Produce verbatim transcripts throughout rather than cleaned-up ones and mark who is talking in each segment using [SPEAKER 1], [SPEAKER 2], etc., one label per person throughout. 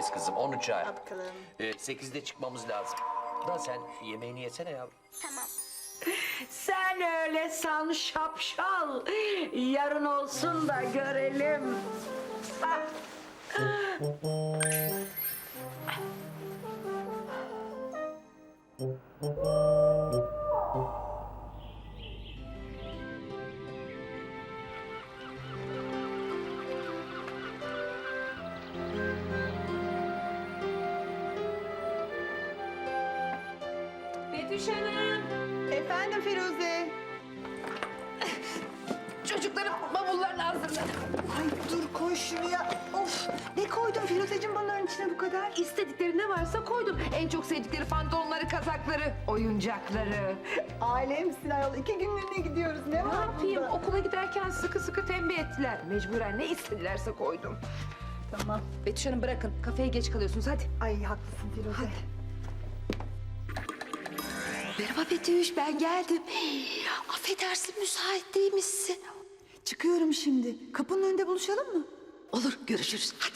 [SPEAKER 1] uçağındayız kızım, on uçağı.
[SPEAKER 2] Bakalım.
[SPEAKER 1] Ee, sekizde çıkmamız lazım. Da sen yemeğini yesene ya.
[SPEAKER 2] Tamam.
[SPEAKER 3] Sen öyle san şapşal. Yarın olsun da görelim. Ah.
[SPEAKER 4] Betüş Hanım.
[SPEAKER 2] Efendim Firuze.
[SPEAKER 4] Çocukların bavullarını hazırla.
[SPEAKER 2] Ay dur koy şunu ya. Of ne koydun Firuzeciğim bunların içine bu kadar?
[SPEAKER 4] İstedikleri ne varsa koydum. En çok sevdikleri pantolonları, kazakları, oyuncakları.
[SPEAKER 2] Alemsin ayol. İki günlüğüne gidiyoruz. Ne
[SPEAKER 4] Ne
[SPEAKER 2] var
[SPEAKER 4] yapayım?
[SPEAKER 2] bunda?
[SPEAKER 4] Okula giderken sıkı sıkı tembih ettiler. Mecburen ne istedilerse koydum.
[SPEAKER 2] Tamam.
[SPEAKER 4] Betüş Hanım bırakın. Kafeye geç kalıyorsunuz. Hadi.
[SPEAKER 2] Ay haklısın Firuze.
[SPEAKER 5] Merhaba Betüş, ben geldim. Affedersin, müsait değil misin?
[SPEAKER 2] Çıkıyorum şimdi. Kapının önünde buluşalım mı?
[SPEAKER 5] Olur, görüşürüz. Hadi.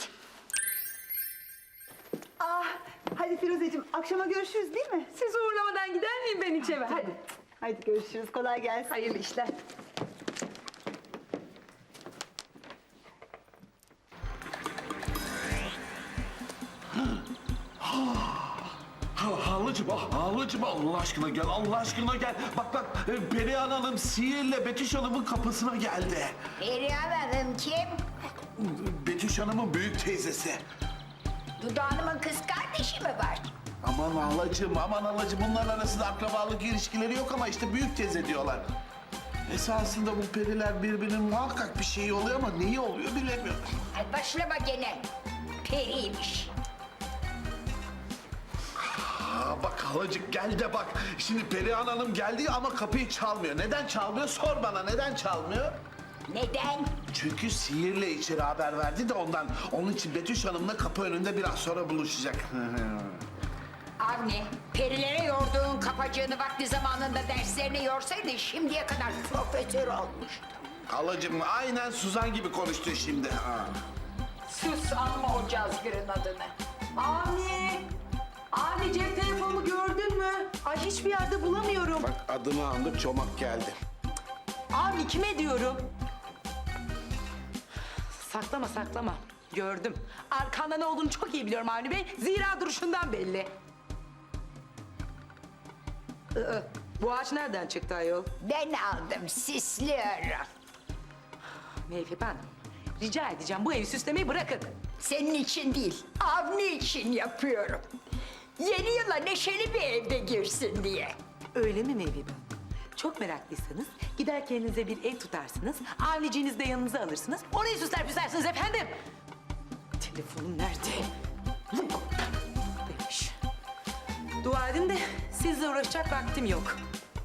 [SPEAKER 2] Ah, hadi Firuzeciğim akşama görüşürüz değil mi?
[SPEAKER 4] Siz uğurlamadan gider miyim ben içeri? Hadi.
[SPEAKER 2] Hadi görüşürüz. Kolay gelsin.
[SPEAKER 4] Hayırlı işler.
[SPEAKER 6] Ha, Halıcım, ah, Halıcım Allah aşkına gel, Allah aşkına gel. Bak bak, e, Perihan Hanım sihirle Betüş Hanım'ın kapısına geldi.
[SPEAKER 7] Perihan Hanım kim?
[SPEAKER 6] Betüş Hanım'ın büyük teyzesi.
[SPEAKER 7] Dudu Hanım'ın kız kardeşi mi var?
[SPEAKER 6] Aman halacığım, aman halacığım. Bunların arasında akrabalık ilişkileri yok ama işte büyük teyze diyorlar. Esasında bu periler birbirinin muhakkak bir şeyi oluyor ama neyi oluyor bilemiyorum.
[SPEAKER 7] Ay başlama gene. Periymiş.
[SPEAKER 6] Aa, bak halacık gel de bak. Şimdi Perihan Hanım geldi ama kapıyı çalmıyor. Neden çalmıyor? Sor bana neden çalmıyor?
[SPEAKER 7] Neden?
[SPEAKER 6] Çünkü sihirle içeri haber verdi de ondan. Onun için Betüş Hanım'la kapı önünde biraz sonra buluşacak.
[SPEAKER 7] Avni, perilere yorduğun kapacığını vakti zamanında derslerine yorsaydın şimdiye kadar profesör olmuştu.
[SPEAKER 6] Halacığım aynen Suzan gibi konuştu şimdi. Ha.
[SPEAKER 7] Sus anma o cazgırın adını.
[SPEAKER 3] Avni! Avni cep telefonumu gördün mü? Ay hiçbir yerde bulamıyorum.
[SPEAKER 6] Bak adını andık çomak geldi.
[SPEAKER 3] Avni kime diyorum? Saklama saklama. Gördüm. Arkanda ne olduğunu çok iyi biliyorum Avni Bey. Zira duruşundan belli. Iı, bu ağaç nereden çıktı ayol?
[SPEAKER 7] Ben aldım, sisliyorum.
[SPEAKER 3] Mevlip Hanım, rica edeceğim bu evi süslemeyi bırakın.
[SPEAKER 7] Senin için değil, Avni için yapıyorum. Yeni yıla neşeli bir evde girsin diye.
[SPEAKER 3] Öyle mi Mevlip Hanım? Çok meraklıysanız gider kendinize bir ev tutarsınız. Avniciğinizi de yanınıza alırsınız. Orayı süsler püslersiniz efendim. Telefonum nerede? Demiş. Dua edin de sizle uğraşacak vaktim yok.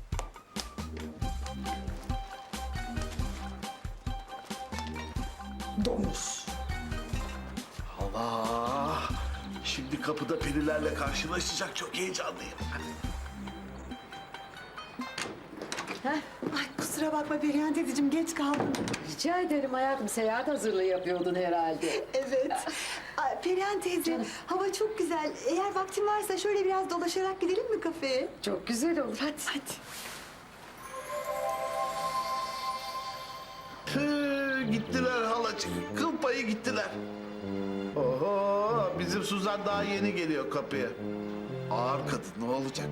[SPEAKER 6] Domuz. Allah! Şimdi kapıda perilerle karşılaşacak çok heyecanlıyım.
[SPEAKER 2] Ay kusura bakma Perihan teyzeciğim geç kaldım.
[SPEAKER 5] Rica ederim hayatım, seyahat hazırlığı yapıyordun herhalde.
[SPEAKER 2] Evet. Ay, Perihan teyze hava çok güzel. Eğer vaktin varsa şöyle biraz dolaşarak gidelim mi kafeye?
[SPEAKER 5] Çok güzel olur, hadi.
[SPEAKER 2] Hadi.
[SPEAKER 6] Hı, gittiler halacık. Kıl payı gittiler. Oho! Bizim Suzan daha yeni geliyor kapıya. Ağır kadın ne olacak?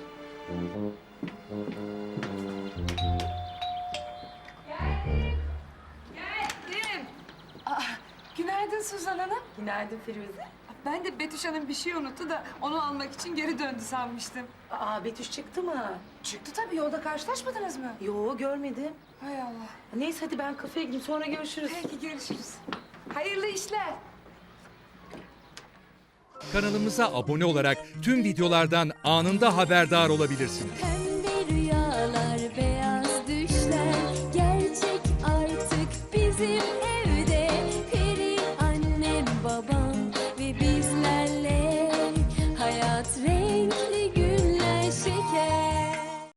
[SPEAKER 4] Geldim. Günaydın Suzan Hanım.
[SPEAKER 3] Günaydın Firuze.
[SPEAKER 4] Ben de Betüş Hanım bir şey unuttu da onu almak için geri döndü sanmıştım.
[SPEAKER 3] Aa Betüş çıktı mı?
[SPEAKER 4] Çıktı tabii, yolda karşılaşmadınız mı?
[SPEAKER 3] Yo görmedim.
[SPEAKER 4] Hay Allah.
[SPEAKER 3] Neyse hadi ben kafeye gideyim sonra görüşürüz.
[SPEAKER 4] Peki görüşürüz. Hayırlı işler.
[SPEAKER 8] Kanalımıza abone olarak tüm videolardan anında haberdar olabilirsiniz.